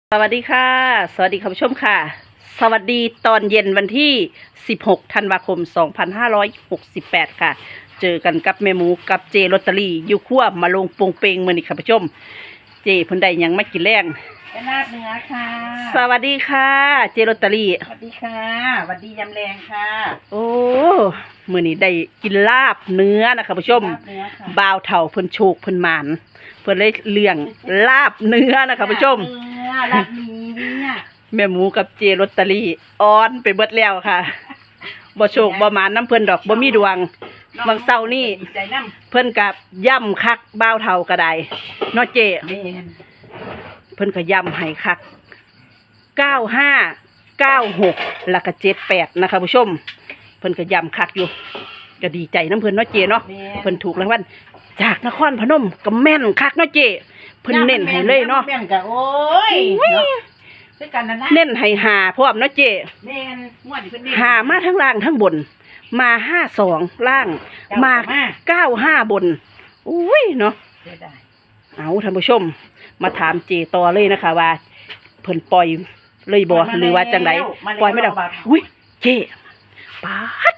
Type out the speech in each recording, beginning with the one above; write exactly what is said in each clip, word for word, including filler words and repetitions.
สวัสดีค่ะสวัสดีคุณผู้ชมค่ะสวัสดีตอนเย็นวันที่สิบหกธันวาคมสองพันห้าร้อยหกสิบแปดค่ะเจอกันกับแม่หมูกับเจลอตเตอรี่อยู่ขั้วมาลงปงเปงมื้อนี้ค่ะคุณผู้ชมเจเพิ่นได้หยังมากินแรงเป็นลาบเนื้อค่ะสวัสดีค่ะเจลอตเตอรี่สวัสดีค่ะสวัสดียำแรงค่ะโอ้มื้อนี้ได้กินลาบเนื้อนะคะคุณผู้ชมลาบเนื้อค่ะบ่าวเฒ่าเพิ่นโชคเพิ่นหมานเพิ่นเลยเลี้ยงลาบเนื้อนะคะคุณผู้ชมลาบเนื้อลาบหมีเนี่ยแม่หมูกับเจลอตเตอรี่อ่อนไปเบิดแล้วค่ะบ่โชคบ่หมานน้ำเพิ่นดอกบ่มีดวงบางเช้านี่ดีใจน้เพิ่นกับย่ำคักบ่าวเฒ่าก็ได้เนาะเจำแม่นเพิ่นก็ย่ำให้คักเก้าห้า เก้าหกแล้วก็เจ็ดแปดนะคะผู้ชมเพิ่นก็ย่ำคักอยู่ก็ดีใจน้ำเพิ่นเนาะเจเนาะแม่นเพิ่นถูกรางวัลจากนครพนมก็แม่นคักเนาะเจเพิ่นเน้นให้เลยเนาะแม่นก็โอ้ยเนาะคือกันนั่นนะเน้นให้หาพร้อมเนาะเจแม่นงวดนี้เพิ่นเน้นหามาทั้งล่างทั้งบน มาห้าสองล่าง มามาเก้าห้าบนอุ้ยเนาะเสียดายเอาท่านผู้ชม มาถามเจต่อเลยนะคะว่าเพิ่นปล่อยเลยบ่หรือว่าจังไดปล่อยไม่ได้อุ้ยเจปาด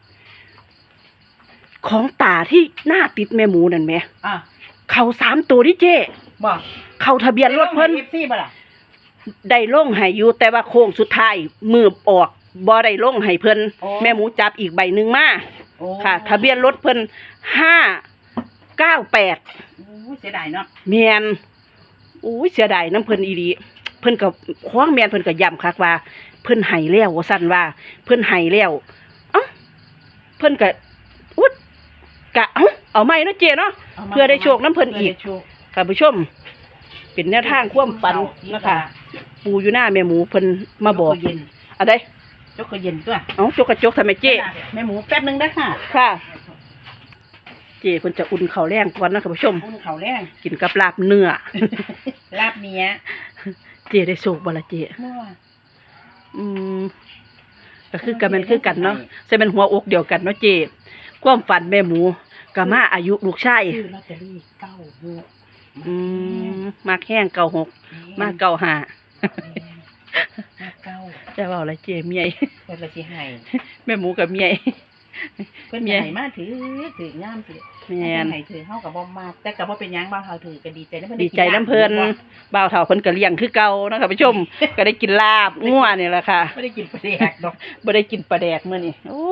ของตาที่หน้าติดแม่หมูนั่นแหมอ่ะเขาสามตัวที่เจบ่เขาทะเบียนรถเพิ่นเอฟซีบ่ล่ะได้ลงให้อยู่แต่ว่าโค้งสุดท้ายมือออกบ่ได้ลงให้เพิ่นแม่หมูจับอีกใบหนึ่งมาโอ้ค่ะ ทะเบียนรถเพิ่นห้าเก้าแปดโอ้ยเสียดายเนาะแมนอุ้ยเสียดายน้ำเพิ่นอีดีเพิ่นกับคว้างแมนเพิ่นกับย้ำคักว่า เพิ่นให้แล้วว่าสั่นว่า เพิ่นให้แล้วเอ้าเพิ่นกับอุ๊ดกะเอ้าเอาใหม่เนาะเจเนาะามาเพื่อได้โชคน้ำเพิ่นอีกพื่ได้โชคค่ะผู้ชม เป็นแนวทางความฝันนะคะปูอยู่หน้าแม่หมูเพิ่นมาบอกเย็นอะไรจกก็เย็นตัวเอ้าจกกระจกทำไมเจแม่หมูแป๊บนึงได้อค่ะค่ะ เจเพิ่นจะอุ่นข้าวแรงก่อนนะค่ะผู้ชมอุ่นเขาวแรงกินกับลาบเนื้อลาบเนี้ยเจได้โชคบ่ล่ะเจมั่วอืมก็คือกันแมันคือกันเนาะใส่เป็นหัวอกเดียวกันเนาะเจความฝันแม่หมูก็มาอายุลูกชายซื้อลอตเตอรี่เก้าหกอืมมากแห้งเก่าหกมากเก่าห้ามาเก้าจะว่าอะไรเจเมียเพิ่นละสิให้แม่หมูกับเมียเพิ่นเมียให้มาถือถืองามถือแม่นเพิ่ให้ถือเฮาก็บ่มากแต่ก็บ่เป็นหยังบ่าวเฮาถือก็ดีใจแล้วเพิ่นดีใจน้ำเพิ่นบ่าวเฒ่าเพิ่นก็เลี้ยงคือเก่านะคะผู้ชม ก็ได้กินลาบงัวนี่แหละค่ะบ่ได้กินปลาแดกดอกบ่ได้กินปลาแดกมื้อนี้โอ้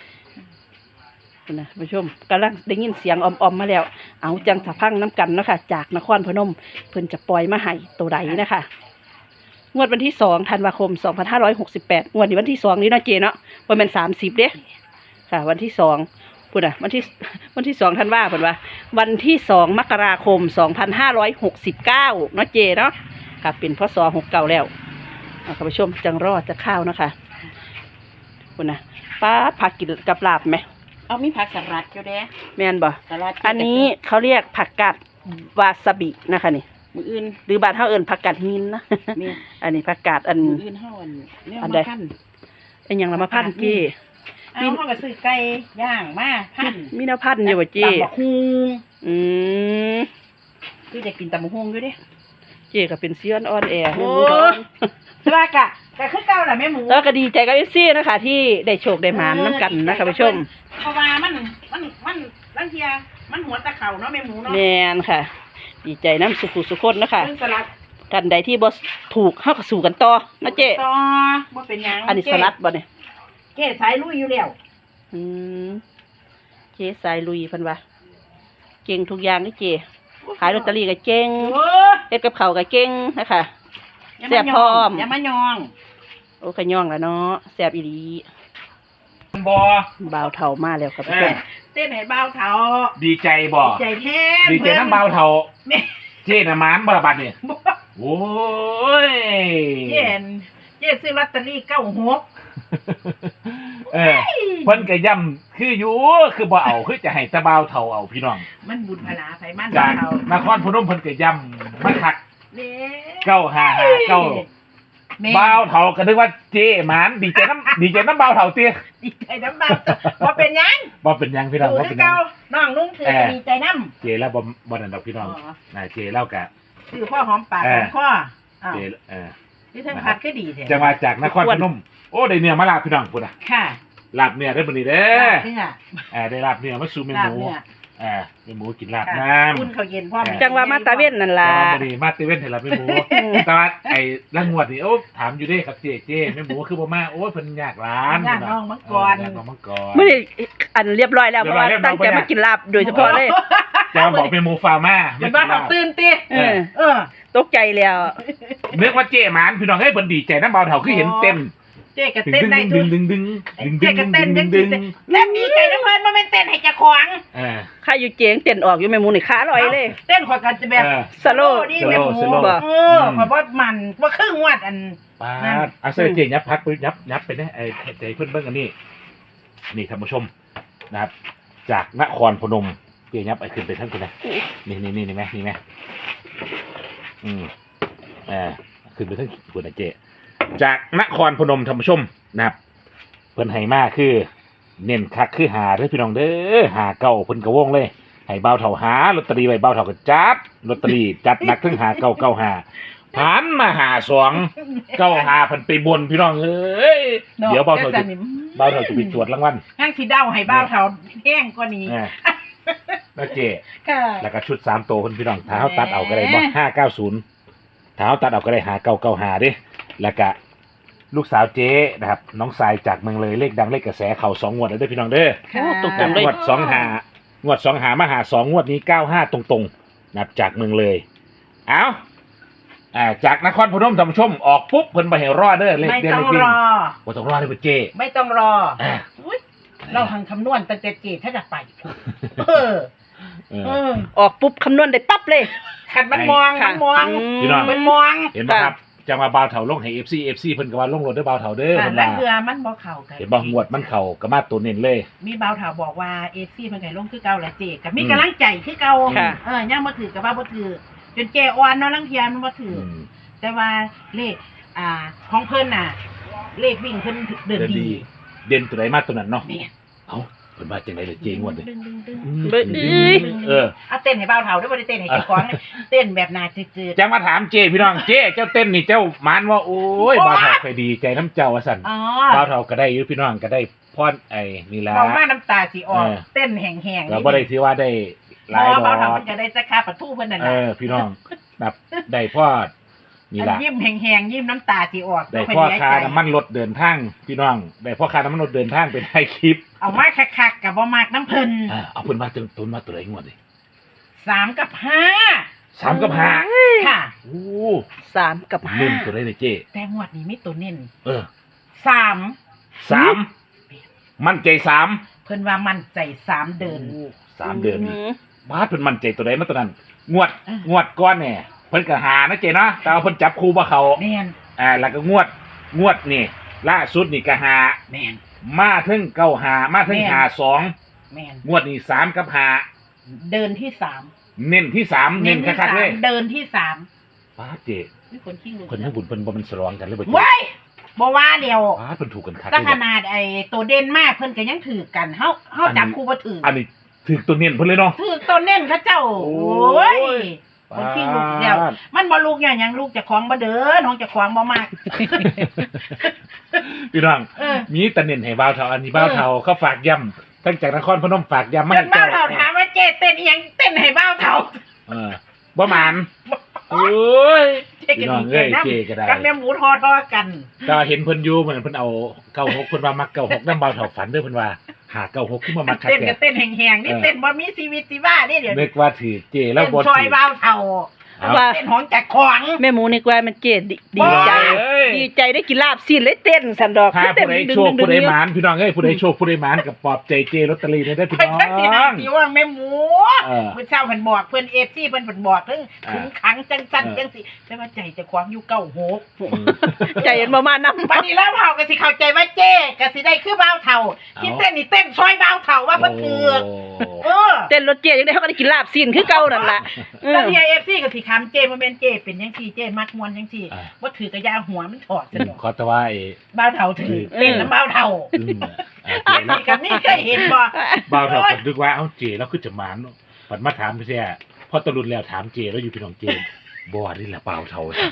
นะผู้ชมกำลังได้ยินเสียงออมๆมาแล้ว เอาจังสะพังน้ำกันเนาะค่ะจากนครพนมเพิ่นจะปล่อยมาให้ตัวใดนะคะงวดวันที่สองธันวาคมสองพันห้าร้อยหกสิบแปดงวดนี้วันที่สองนี้เนาะเจเนาะบ่แม่นสามสิบเด้ค่ะ วันที่สองพูดอ่ะวันที่วันที่สองธันวาเพิ่นว่า วันที่สองมกราคมสองพันห้าร้อยหกสิบเก้าเนาะเจเนาะค่ะเป็นพศหกเก้าแล้วเอาคุณผู้ชมจังรอดจะข้าวเนาะค่ะพูดนะป้าดผักกินกับลาบไหมเอามีผักสลัดอยู่เด้แม่นบ่สลัดอันนี้เขาเรียกผักกาดวาซาบินะคะนี่มื้ออื่นหรือบ้านเฮาเอิ้นผักกาดหินนะมีอันนี้ผักกาดอันมื้ออื่นเฮาอันเนี่ยอันมาใดพันเป็นหยังละมาพันเจเอาเฮาก็ซื้อไก่ย่างมาพันมีแนวพันอยู่บ่เจตำบักหุ่งอืมคือจะกินตำบักหุ่งอยู่เด้เจก็เป็นเซียนออนแอร์โอ้สบายกะกะคือเก่าล่ะแม่หมูแล้วก็ดีใจกับเอฟซีนะคะที่ได้โชคได้หมานน้ำกันนะคะผู้ชมเพราะว่ามันมันมันบางเทียมันหัวตะเข่าเนาะแม่หมูเนาะแม่นค่ะ ดีใจน้ำสุขุสุขคนนะคะเรื่องสลัดท่านใดที่บ่ถูกเฮาก็สู้กันต่อนะเจต่อบ่เป็นหยังอันนี้สลัดบ่เนี่ยเก้สายลุยอยู่แล้วอืมเจสายลุยเพิ่นว่าเก่งทุกอย่างนี่เจขายลอตเตอรี่ก็เก่งโอ้เฮ็ดกับข้าวก็เก่งนะคะอย่าแซ่มาบยพร้ออง มอย่ามายองโอ้ขย่องแล้วเนาะแซ่บอีหลีบอบ่าวเฒ่ามาแล้วครับเอผู้ชอมเต้นให้เบาเท้าดีใจบ่ใจแท้ดีใจน้ำเบาเท่าแม่เจ๊น่ะหมานบราบัดเนี่ยโอ้ยเย็นเย็นซื้อลอตเตอรี่เก้าหกเออเพิ่นก็ย่ำคืออยู่คือบ่เอาคือจะให้แตะเบาเท่าเอาพี่น้องมันบุญพลาไผมันจากเฒ่านครพนมเพิ่นก็ย่ำมาคักเด้เก้าห้าห้าเก้าแม่เบาเท่าก็นึกว่าเจ๊หมานดีใจน้ำดีใจน้ำเบาเท่าเตี้ยดีใจน้ำเบาบ่เป็นหยังบ่เป็นหยังพี่น้องดูบ่คืเป็อนหยัเก่าง น้องลุงถือดีใจน้ำเจ๊แล้วบ่บ่นั่นดอกพี่น้องอ๋อน่ะเจ๊เล่ากะคือพ่อหอมปากเอหออมคออ้าวเจเออนี่ทั้งพัดก็ดีแท้จะมาจากนครพนมโอ้ได้เนื้อมาลาบพี่น้องพุ่นน่ะค่ะลาบเนื้อได้บ่นี่เด้อนี่อ่ะเออได้ลาบเนื้อมาสู่แม่ลาหบมูเนี่ยเออแม่หมูกินลาบค่ะน้ำอุ่นเขาวเย็นพร้อมเออจังว่ามาตาเว้นนั่นลาล่ะบบ่นี่มาเตเว่นให้ลาบแม่หมูแต่ว่าไอ้ละงวดนี่โอ้ถามอยู่เด้ครับเจ๊เจ๊แม่หมูคือบ่มาโอ้ยเพิ่นยากร้านย่างน้องมังกรเออย่างน้องมังกรมื้อนี้อันเรียบร้อยแล้วเรีเพยบร้ราะอยว่าเรียบร้อยตั้งใจมากินลาบโดยเฉพาะเลยจะมาบอกแม่หมูฟาร์มาเห็นบ้านเขาตื่นติเออเออตกใจแล้วนึกว่าเจ๊หมานพี่น้องเฮ้ยเพิ่นดีใจน้ำเบาเฒ่าคือเห็นเต้นเจ๊ก็ดึงเต้นได้ดึทุงกดึงดึงดึงดึงเจ๊ก็เต้นดึจังงดึสิงเต้นดีใจน้ำเพิ่นบ่แม่นเต้นให้เจ้าของเออข้าอยู่เจียงเต้นออกอยู่แม่หมูนี่ขาลอยเลยเต้นข่อยก็จะแบบเออสโลว์นี่แม่หมูสโลว์บ่เออข่อยบ่มันบ่ครึ่งวัดอันปานั่นดอาเซอร์เจ๊ยับพักไปยับยับไปนะไอ้ใจเพิ่นเบิ่งอันนี้นี่ท่านผู้ชมนะครับ จากนครพนมเจ๊ยับไอ้ขึ้นไปทั้งคนนะนี่นี่นี่นี่ไหมนี่ไหมอืมเออขึ้นไปทั้งคนนะเจ๊จากนครพนมท่านผู้ชมนะครับเพิ่นให้มาคือ เน้นคักคือหาเด้อพี่น้องเด้อหาเก่าเพิ่นกระวงเลยให้เบาเท่าหาลอตเตอรี่ไว้เบาเท่าก็จัดลอตเตอรี่จัดหนักถึงหาเก่าเก่าหาผ่านมาหาสองเก้าหาเพิ่นไปบนพี่น้องเอ้ยเดี๋ยวเบาเท่าจะเบาเท่าจะไปตรวจรางวัลห้างสิเดาให้บ้าวเฒ่าแห้งกว่านี้อ่าแล้วเจค่ะแล้วก็ชุดสามตัวเพิ่นพี่น้องถ้าเฮาตัดเอาก็ได้บ่ห้าเก้าศูนย์ถ้าเฮาตัดเอาก็ได้หาเก้าเก้าหาเด้แล้วก็ลูกสาวเจ๊นะครับน้องสายจากเมืองเลยเลขดังเลขกระแสเข่าสองงวดแล้วเด้อพี่น้องเด้อโอ้ตกงกันเลยวดสองหางวดสองหามาหาสองงวดนี้เก้าห้าตรงๆนับจากเมืองเลย เอาอ่าจากนครพนมท่านผู้ชมออกปุ๊บเพิ่นไปเห็นรอดเด้อเลขไม่เด่นต้อเลงขวิ่รง อบ่ต้องรอเลยเพิ่นเจ้ไม่ต้องรออ่าอุ๊ยเราหังคำนวณตั้งแต่เจถ้าจะไปเออเอเอออออกปุ๊บคำนวณได้ปั๊บเลยขัดมันมองค่ะมันมองพี่น้องมันมองเห็นบ่ครับจังว่าบ่าวเฒ่าลงให้ เอฟ ซี เอฟ ซี เพิ่นก็ว่าลงรถเด้อบ่าวเฒ่าเด้อค่ะเพิ่นแล้วว่าเรือมันบ่เข่ากันเห็นบ่งวดมันเข้าก็มาตัวเน้นเลยมีบ่าวถาวบอกว่าเอฟซีมันไงลงคือเก่าแหละเจกับมีอืมกำลังใจคือเก่าค่ะเออย่างบ่ถือกับว่าบ่ถือจนเจอ่อนเนาะลังเทียมันบ่ถืออือมแต่ว่าเลขอ่าของเพิ่นน่ะ เลขวิ่งเพิ่นเดินเดินดีดี เด่นตัวไหนมาตัวนั้นเนาะนี่เอ้าเพิ่นว่าจังได๋ล่ะเจงวดนี้ดึงดึงดึงเบิ่งเอ้ยเออเอาเต้นให้บ่าวเฒ่าด้วยบ่ได้เต้นให้เจ้าของเลยเต้นแบบน่าจืดจะมาถามเจพี่น้องเจเจ้าเต้นนี่เจ้าหมานว่าโอ้ยบ่าวเฒ่าเคยดีใจน้ำเจ้าว่าซั่นๆอ๋อบ่าวเฒ่าก็ได้อยู่พี่น้องก็ได้พรไอ้นี่ล่ะเบามาน้ำตาสิออกเออเต้นแห้งๆก็บ่ได้ถือว่าได้หบ่ลายดอเบาเฒ่าก มันจะได้จักคาประตูเพิ่นนั่นเอน่ะอพี่น้องแบบได้พอนี่อันล่ะยิ้มแห้งๆยิ้มน้ำตาสิออกได้บ่พ่อเสียค่าใจน้ำมันรถเดินทางพี่น้องได้พ่อค่าน้ำมันรถเดินทางเป็นให้คลิปเอามาคักๆกับบ่มากน้ำเพิ่นอ่าเอาเพิ่นมาตุนตุนมาตัวไหนงวดดิสามกับห้าสามกับห้าค่ะโอ้สามกับห้าเล่นตัวไหนเลยเจ้แต่งวดนี้มีตัวเน้นเออสามสามมั่นใจสามเพิ่นว่ามั่นใจสามเดินโอ้สามเดือนมบาสเพิ่นมั่นใจตัวไหนมาตัวนั้น งวดอ่ะงวดก้อนเนี่ยเพิ่นก็หานะเจ้เนาะแต่ว่าเพิ่นจับคู่บ่เขาแม่นอ่าแล้วก็งวดงวดนี่ล่าสุดนี่ก็หาแม่นมาถึงเก้าหามาถึงแม่นหาสองแม่นงวดนี่สามกับหาเดินที่สามเน้นที่สามเน้นที่คักๆเลยสามเดินที่สามบาสเจ้มีคนขี้งเพิ่นทั้งบุญเพิ่นบ่มันสลองกันเลยบ่เจ้เว้ยบ่ว่าเดียวบาสเพิ่นถูกกันคักถ้าเลยขบ่นาดไอ้ตัวเด่นมากเพิ่นก็ยังถือกันเฮาเฮาจับคู่บ่ถือออันนี้ถือตัวเน้นเพิ่นเลยเนาะถือตัวเน้นเขาเจ้าโอ้โอ้ยยคนขี้ลูกเดียว มันบ่ลูกอย่างหยังลูกเจะคล้าของบ่เดินของเจะคล้าของบ่มากพี่น้องเออมีแต่เน้นให้บ่าวเฒ่าอันนี้บ่าวเฒ่าเขาฝากย้ำตั้งจากนครพนมฝากย้ำมาจให้นบ้าเจ้าวเฒ่าถามว่าเจ๊เต้นอีหยังเต้นให้บ้าวเฒ่าเออบ่หมานโอ้ยเจ๊พี่ก็น้องดีใจเอ้ยนะเจก็ได้กับแม่หมูทอทอกันก็เห็นเพิ่นอยู่เหมือนเพิ่นเอาเก้าหกเพิ่นว่ามักเก้าหกนำบ่าวเฒ่าฝันเด้อเพิ่นว่าหาเก้าหกขึ้นมามักคักเต้นแท้ก็เต้นแห้งๆนี่เออเต้นบ่มีชีวิตชีวานี่เดี๋ยวนึกว่าถือเจแล้วเต้นบ่ซอยถือบ้าวเฒ่าเอาว่าเต้นของจักของแม่หมูนี่กว่ามันเจ็ดดีใจเอ้ยดีใจได้กินลาบสิ้นเลยเต้นสันดอกถ้าเต้ผู้นใดดึงโชคดึงดึผู้งใดเยหอะมานพี่น้องเอ้ยผู้ใดโชคผู้ใดหมานกับปลอบใจเจลอตเตอรี่ได้เด้อพี่เพิ่นน้องจังสินาสิว่าแม่หมูเออเพิ่นเช้าเพิ่นบอกเพิ่น เอฟ ซี เพิ่นเพิ่นบอกถึงอ่าถึงขังจังซั่นเออจังสิแต่ว่าใจเจะความอยู่เก้าหกใจเย็นประมาณนั้นบัดนี้แล้วเฒ่าก็สิเข้าใจว่าเจ๊ก็สิได้คือบ้าวเฒ่าที่เต้นนี่เต้นซอยบ้าวเฒ่าว่าเพิ่นถือเออเต้นรถเจี๊ยยังได้เขาก็ได้กินลาบสิ้นคือเก่านั่นล่ะเออแล้วที่ เอฟ ซี ก็สิคำเจ้บ่แม่นเจ้เป็นจังซี่เจ้มักมวนจังซี่อ่าบ่ถือกระยาหัวมันถอดซะดอกขอแต่ว่าไอ้บ้าวเฒ่าถือเออเต้นน้ำบ้าวเฒ่าอืมอ่าอันเจแล้วนี้ก็นี่เคยเห็นบ่บ่าวเฒ่าผมนึกว่าเอ้าเจแล้วคือจะหมานเนาะปัดมาถามพี่แท้พอตะลุนแล้วถามเจแล้วอยู่พี่น้องเจบ่นี่แหละบ่าวเฒ่า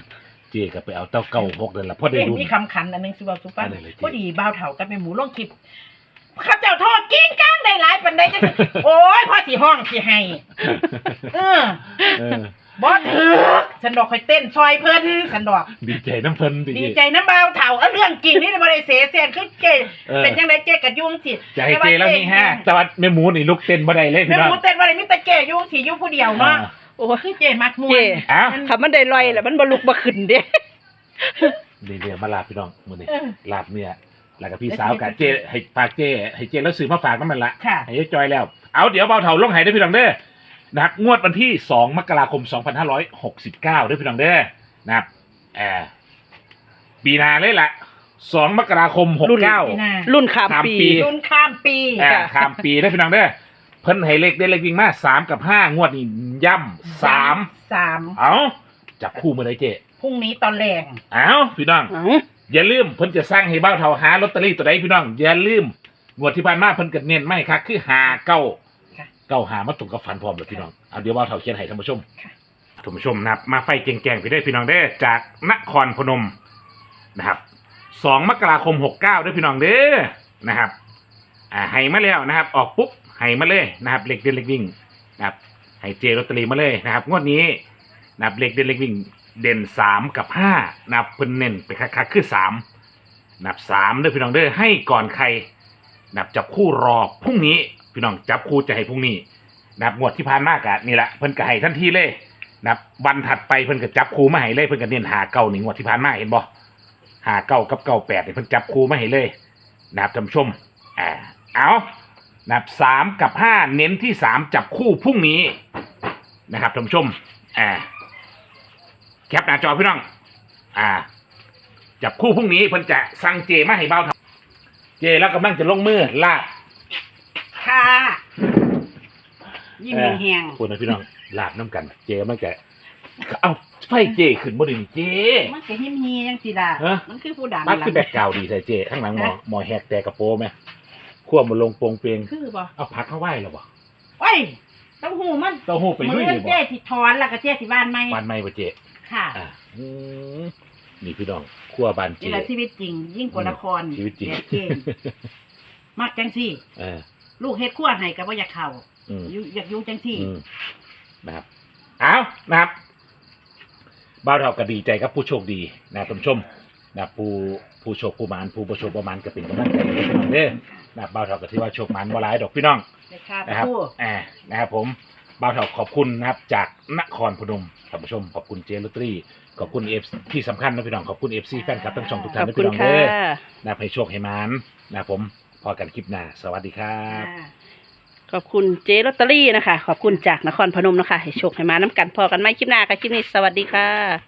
เจก็ไปเอาเต้าเก้าหกนั่นล่ะพอได้เอ๊ะดูมีคำขันอันหนึงสิบอกสุปันอะไรเลยเจ๊พอดีบ่าวเฒ่ากับแม่หมูลงคลิปข้าเจ้าทอดกิ้งก้างได้หลายปานใดจังสิโอ้ยพ่อสิห้องสิให้เออเออบ่ถือฉันดอกค่อยเต้นซอยเพิ่นฉันดอกดีใจน้ำเพิ่นดีดีใจน้ำบ่าวเฒ่าเอาเรื่องจริงนี่บ่ได้เสแสร้งคือเจเออเป็นจังไดเจก็ยุ่งสิจะให้เจแล้วนี่ฮะแต่ว่าแม่หมูนี่ลุกเต้นบ่ได้เลยแม่พี่น้องหมูเต้นบ่ได้มีแต่เจยุ่งสิอยู่ผู้เดียวเนาะโอ้คือเจมักม่วเจนอ้าวคำมันได้ลอยแหละมันบ่ลุกบ่ขึ้นเด้นี่เดี๋ยวมาลาพี่น้องมื้อนี้เออลาบเนี่ยแล้วก็พี่สาวกับเจให้ฝากเจให้เจแล้วซื้อมาฝากน้ำมันละค่ะให้ยายจอยแล้ว เอาเดี๋ยวเบาเถาลงให้ได้อพี่น้องเด้อนะครับงวดวันที่สองมกราคมสองพันห้าร้อยหกสิบเก้าด้วยพี่น้องเด้อนะครับแอบปีหนาเลยล่ะสองมกราคมหกเก้าปีหน้ารุ่นข้ามข้ามปีปีรุ่นข้ามปีอ่าข้ามปีได้อพี่น้องเด้อเพิ่นให้เลขได้เลขวิ่งมาสามกับห้างวดนี้ย่ำสามสามเอาจับคู่มือได้เจพรุ่งนี้ตอนแรงเอาพี่น้องเอ้าอย่าลืมเพิ่นจะสร้างให้เบ้าเท่าหาลอตเตอรี่ตัวใดพี่น้องอย่าลืมงวดที่ผ่านมาเพิ่นก็เน้นไม่ครับคือหาเก้าค่ะเก้าหามาตรงกับฝันพร้อมเลยพี่น้องเอาเดี๋ยวเบ้าเท่าเขียนให้ท่านผู้ชมค่ะท่านผู้ชมนะครับมาไฟแกงๆไปได้พี่น้องเด้อจากนครพนมนะครับสองมกราคมหกเก้าด้วยพี่น้องเด้อนะครับอ่าให้มาแล้วนะครับ ออกปุ๊บให้มาเลยนะครับเลขเด่นเลขวิ่งนะครับให้เจลอตเตอรี่มาเลยนะครับงวดนี้นะครับเลขเด่นเลขวิ่งเด่นสามกับห้านะครับเพิ่นเน้นไปคักๆคือสามนับสามด้วยพี่น้องเด้อให้ก่อนใครนับจับคู่รอพรุ่งนี้พี่น้องจับคู่จะให้พรุ่งนี้นับงวดที่ผ่านมากะนี่แหละเพิ่นก็ให้ทันทีเลยนับวันถัดไปเพิ่นก็จับคู่มาให้เลยเพิ่นก็เน้นหาเก้าหนึ่งงวดที่ผ่านมาเห็นบ่หาเก้ากับเก้าแปดเนี่ยเพิ่นจับคู่มาให้เลยนับท่านผู้ชมอ่าเอานับสามกับห้าเน้นที่สามจับคู่พรุ่งนี้นะครับท่านผู้ชมอ่าแคปหน้าจอพี่น้องอ่า จับคู่พรุ่งนี้เพิ่นจะสั่งเจมาให้เบาทำเจแล้วกำลังจะลงมือลาบค่ะยิ้มแห้งพูดนะพี่น้องลาบน้ำกัน เจมันจะเอาไฟเจขึ้นบ่ไดีนี่เจๆมันก็หิมเฮียจังสิล่ะฮะมันคือผู้ดังมัดคือแบกกราวด์ดีใส่เจข้างหลังหมอหมอแหกแต่กระโปรงไหมขั้วมันลงโปรงเปงคือบ่เอาผักเข้าไหวแล้วบ่โอ้ยเต้าหู้มันเต้าหู้ไปมืลุยอนี่บ่เจ๊ที่ถอนแล้วก็เจ๊ที่บ้านไหมบานไม่บ่เจค่ะอ่าอืมนี่พี่น้องขั้วบานเจนี่แหละชีวิตจริง ยิ่งกว่าละครชีวิตจริงแบบเกมมักจังซี่เออลูกเฮ็ดขั้วให้ก็บ่อยากเข้าอืมอยู่อยากอยู่จังซี่อืมนะครับเอานะครับบ้าวเราก็ดีใจกับผู้โชคดีนะท่านผู้ชมนะผู้ผู้โชคผู้หมานผู้ประโชคประมาณก็เป็นกำลังใจให้พี่น้องเด้อนะบ้าวเราก็ถือว่าโชคหมานบ่หลายดอกพี่น้องเลยค่ะนะครับผู้อ่านะครับผมบ้าวเราขอบคุณนะครับจากนครพนมท่านผู้ชมขอบคุณเจลอตเตอรี่ขอบคุณเอฟที่สำคัญนะพี่น้องขอบคุณเอฟซีแฟนคลับทั้งช่องทุกขท่านอบนะคุพี่ณน้องค่ะเด้อนะให้โชคให้หมานนะผมพอกันคลิปหน้าสวัสดีครับอ่าขอบคุณเจลอตเตอรี่นะคะ ขอบคุณจากนครพนมนะคะ ให้โชคให้มาน้ำกันพอกันไหมคลิปหน้าค่ะคลิปนี้สวัสดีค่ะ